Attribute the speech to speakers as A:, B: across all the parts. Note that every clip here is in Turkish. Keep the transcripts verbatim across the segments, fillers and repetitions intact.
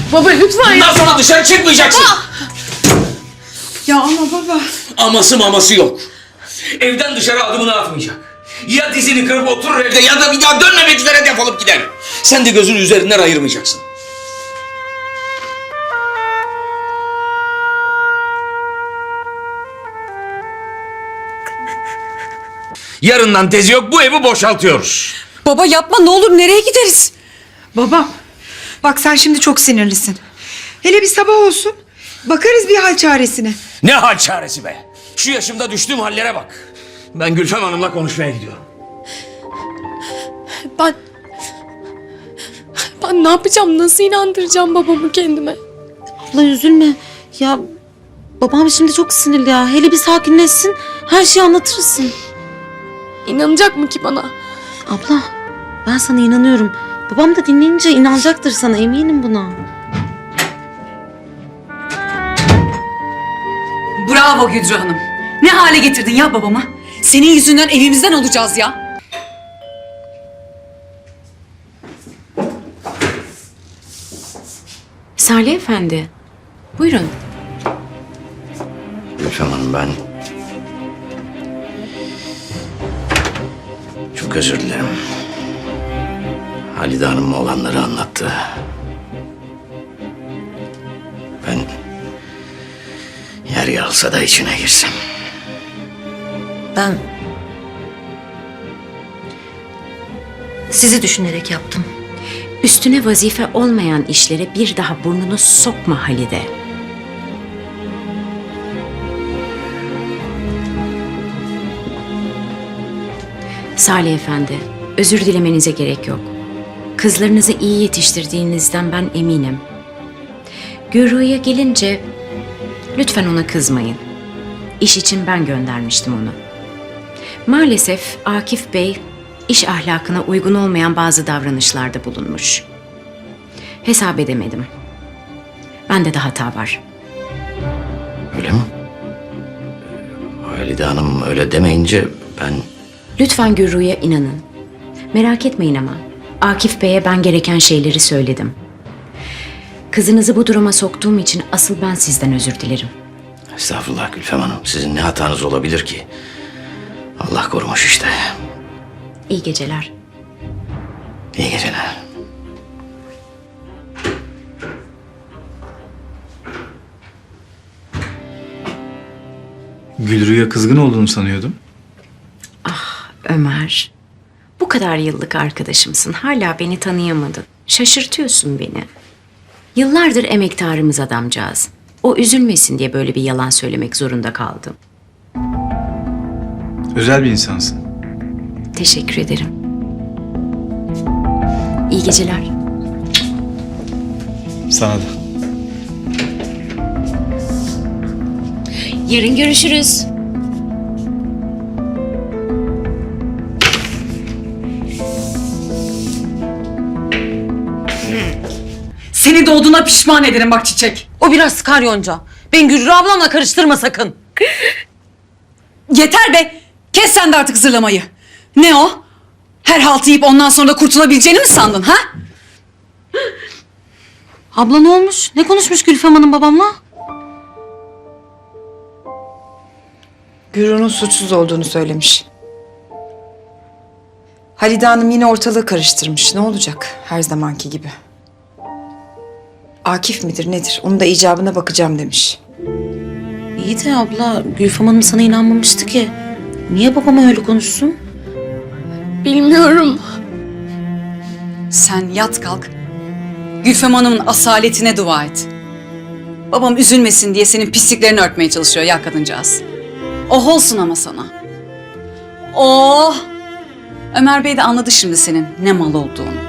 A: Baba lütfen
B: Bundan
A: ya.
B: sonra dışarı çıkmayacaksın.
A: Baba.
C: Ya ama baba.
B: Aması maması yok. Evden dışarı adımını atmayacak. Ya dizini kırıp oturur evde ya da bir daha dönmemek üzere defolup gider. Sen de gözünü üzerinden ayırmayacaksın. Yarından tezi yok, bu evi boşaltıyoruz.
D: Baba yapma ne olur, nereye gideriz?
C: Babam. Bak sen şimdi çok sinirlisin. Hele bir sabah olsun. Bakarız bir hal çaresine.
B: Ne hal çaresi be? Şu yaşımda düştüğüm hallere bak. Ben Gülfem Hanım'la konuşmaya gidiyorum.
A: Ben... Ben ne yapacağım? Nasıl inandıracağım babamı kendime?
E: Abla üzülme. Ya babam şimdi çok sinirli ya. Hele bir sakinleşsin. Her şeyi anlatırsın.
A: İnanacak mı ki bana?
E: Abla ben sana inanıyorum. Babam da dinleyince inanacaktır sana, eminim buna.
D: Bravo Güdrü Hanım. Ne hale getirdin ya babamı? Senin yüzünden evimizden olacağız ya.
E: Salih Efendi. Buyurun.
B: Gülfem Hanım, ben... Çok özür dilerim. Halide Hanım olanları anlattı. Ben... yer yarılsa da içine girsem.
E: Ben sizi düşünerek yaptım. Üstüne vazife olmayan işlere bir daha burnunu sokma Halide. Salih Efendi, özür dilemenize gerek yok. Kızlarınızı iyi yetiştirdiğinizden ben eminim. Gürru'ya gelince lütfen ona kızmayın. İş için ben göndermiştim onu. Maalesef Akif Bey iş ahlakına uygun olmayan bazı davranışlarda bulunmuş. Hesap edemedim. Bende de hata var.
B: Öyle mi? Halide Hanım öyle demeyince ben...
E: Lütfen Gürru'ya inanın. Merak etmeyin ama Akif Bey'e ben gereken şeyleri söyledim. Kızınızı bu duruma soktuğum için asıl ben sizden özür dilerim.
B: Estağfurullah Gülfem Hanım. Sizin ne hatanız olabilir ki? Allah korumuş işte.
E: İyi geceler.
B: İyi geceler.
F: Gülru'ya kızgın olduğunu sanıyordum.
E: Ömer, bu kadar yıllık arkadaşımsın. Hala beni tanıyamadın. Şaşırtıyorsun beni. Yıllardır emektarımız adamcağız. O üzülmesin diye böyle bir yalan söylemek zorunda kaldım.
F: Özel bir insansın.
E: Teşekkür ederim. İyi geceler.
F: Sana da.
E: Yarın görüşürüz.
D: Seni doğduğuna pişman ederim bak Çiçek.
E: O biraz sıkar Yonca. Ben Gürrü ablamla karıştırma sakın.
D: Yeter be. Kes sen de artık zırlamayı. Ne o? Her haltı yiyip ondan sonra da kurtulabileceğini mi sandın ha?
E: Abla ne olmuş? Ne konuşmuş Gülfem Hanım babamla?
C: Gürun'un suçsuz olduğunu söylemiş. Halide Hanım yine ortalığı karıştırmış. Ne olacak? Her zamanki gibi. Akif midir nedir? Onun da icabına bakacağım demiş.
E: İyi de abla Gülfem Hanım sana inanmamıştı ki. Niye babama öyle konuşsun?
A: Bilmiyorum.
D: Sen yat kalk. Gülfem Hanım'ın asaletine dua et. Babam üzülmesin diye senin pisliklerini örtmeye çalışıyor ya kadıncağız. Oh olsun ama sana. Oh! Ömer Bey de anladı şimdi senin ne mal olduğunu.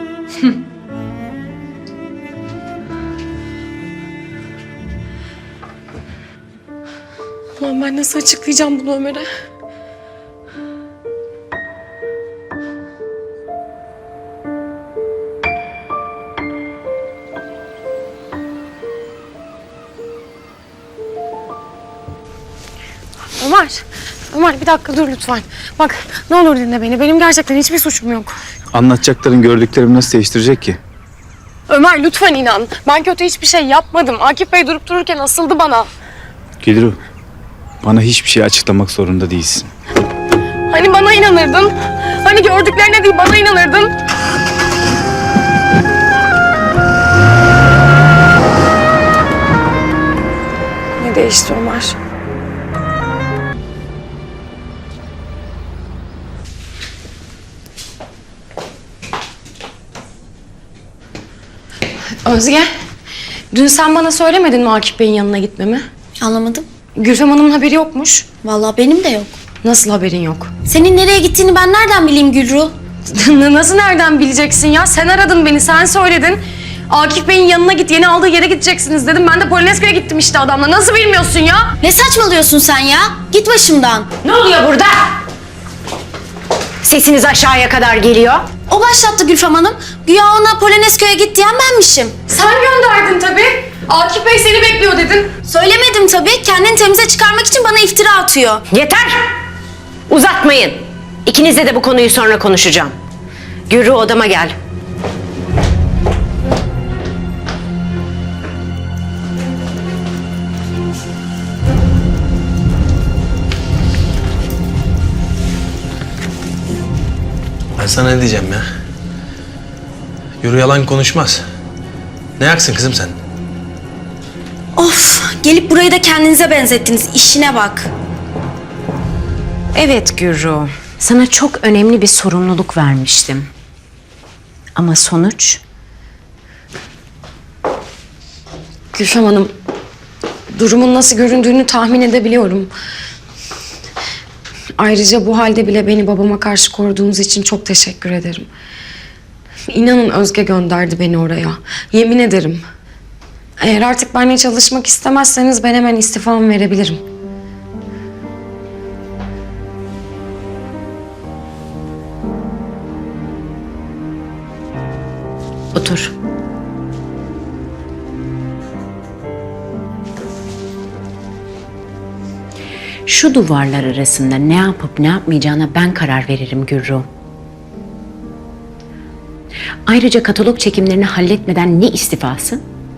A: Ulan ben nasıl açıklayacağım bunu Ömer'e? Ömer, Ömer bir dakika dur lütfen. Bak ne olur dinle beni. Benim gerçekten hiçbir suçum yok.
F: Anlatacakların gördüklerimi nasıl değiştirecek ki?
A: Ömer lütfen inan. Ben kötü hiçbir şey yapmadım. Akif Bey durup dururken asıldı bana.
F: Gülru, bana hiçbir şey açıklamak zorunda değilsin.
A: Hani bana inanırdın? Hani gördüklerine değil bana inanırdın? Ne değişti Ömer? Özge, dün sen bana söylemedin mi Akif Bey'in yanına gitmemi?
G: Anlamadım.
A: Gülfem Hanım'ın haberi yokmuş.
G: Vallahi benim de yok.
A: Nasıl haberin yok?
G: Senin nereye gittiğini ben nereden bileyim Gülru?
A: Nasıl nereden bileceksin ya? Sen aradın beni, sen söyledin. Akif Bey'in yanına git, yeni aldığı yere gideceksiniz dedim. Ben de Polonezköy'e gittim işte adamla. Nasıl bilmiyorsun ya?
G: Ne saçmalıyorsun sen ya? Git başımdan.
E: Ne oluyor burada? Sesiniz aşağıya kadar geliyor.
G: O başlattı Gülfem Hanım. Güya ona Polonezköy'e git diyen benmişim.
A: Sen gönderdin tabii. Akif Bey seni bekliyor dedin.
G: Söylemedim tabii. Kendini temize çıkarmak için bana iftira atıyor.
E: Yeter! Uzatmayın. İkinizle de bu konuyu sonra konuşacağım. Gürü odama gel.
H: Ben sana ne diyeceğim ya? Yürü yalan konuşmaz. Ne yaksın kızım sen?
G: Of! Gelip burayı da kendinize benzettiniz. İşine bak.
E: Evet Gürü. Sana çok önemli bir sorumluluk vermiştim. Ama sonuç...
A: Gülfem Hanım, durumun nasıl göründüğünü tahmin edebiliyorum. Ayrıca bu halde bile beni babama karşı koruduğunuz için çok teşekkür ederim. İnanın Özge gönderdi beni oraya. Yemin ederim. Eğer artık benimle çalışmak istemezseniz ben hemen istifamı verebilirim.
E: Otur. Şu duvarlar arasında ne yapıp ne yapmayacağına ben karar veririm Gürru. Ayrıca katalog çekimlerini halletmeden ne istifası?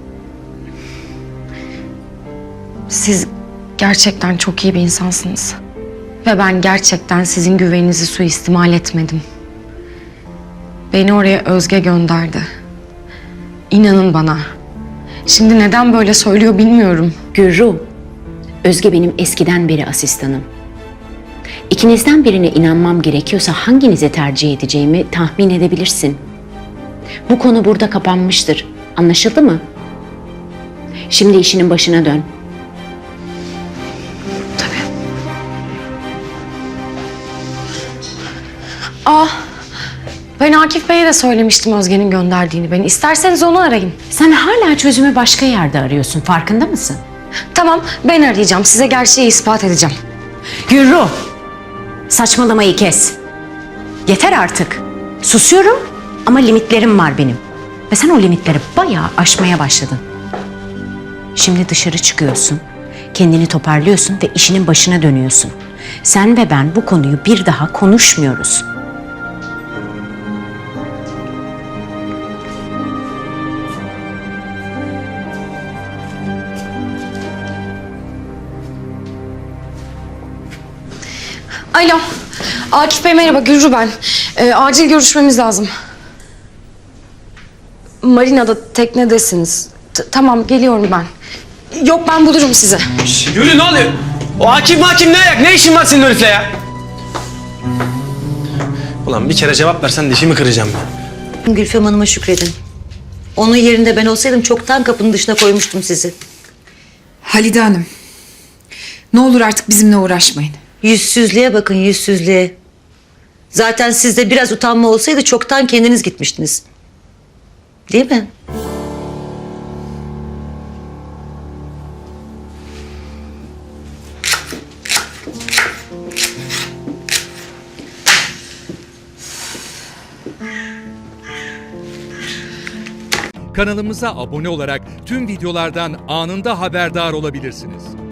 A: Siz gerçekten çok iyi bir insansınız. Ve ben gerçekten sizin güveninizi suistimal etmedim. Beni oraya Özge gönderdi. İnanın bana. Şimdi neden böyle söylüyor bilmiyorum.
E: Gürru, Özge benim eskiden beri asistanım. İkinizden birine inanmam gerekiyorsa hanginize tercih edeceğimi tahmin edebilirsin. Bu konu burada kapanmıştır. Anlaşıldı mı? Şimdi işinin başına dön.
A: Ah, ben Akif Bey'e de söylemiştim Özge'nin gönderdiğini beni. İsterseniz onu arayın.
E: Sen hala çözümü başka yerde arıyorsun. Farkında mısın?
A: Tamam, ben arayacağım. Size gerçeği ispat edeceğim.
E: Gürru, saçmalamayı kes. Yeter artık. Susuyorum ama limitlerim var benim. Ve sen o limitleri bayağı aşmaya başladın. Şimdi dışarı çıkıyorsun, kendini toparlıyorsun ve işinin başına dönüyorsun. Sen ve ben bu konuyu bir daha konuşmuyoruz.
A: Alo, Akif Bey merhaba, Gülru ben. Ee, acil görüşmemiz lazım. Marina'da teknedesiniz. T- tamam, geliyorum ben. Yok, ben bulurum sizi.
I: Gülü ne oluyor? O hakim hakim ne ayak? Ne işin var senin herifle ya?
H: Ulan bir kere cevap versen dişimi kıracağım ben.
J: Gülfem Hanım'a şükredin. Onun yerinde ben olsaydım çoktan kapının dışına koymuştum sizi.
C: Halide Hanım. Ne olur artık bizimle uğraşmayın.
J: Yüzsüzlüğe bakın, yüzsüzlüğe. Zaten sizde biraz utanma olsaydı çoktan kendiniz gitmiştiniz. Değil mi?
K: Kanalımıza abone olarak tüm videolardan anında haberdar olabilirsiniz.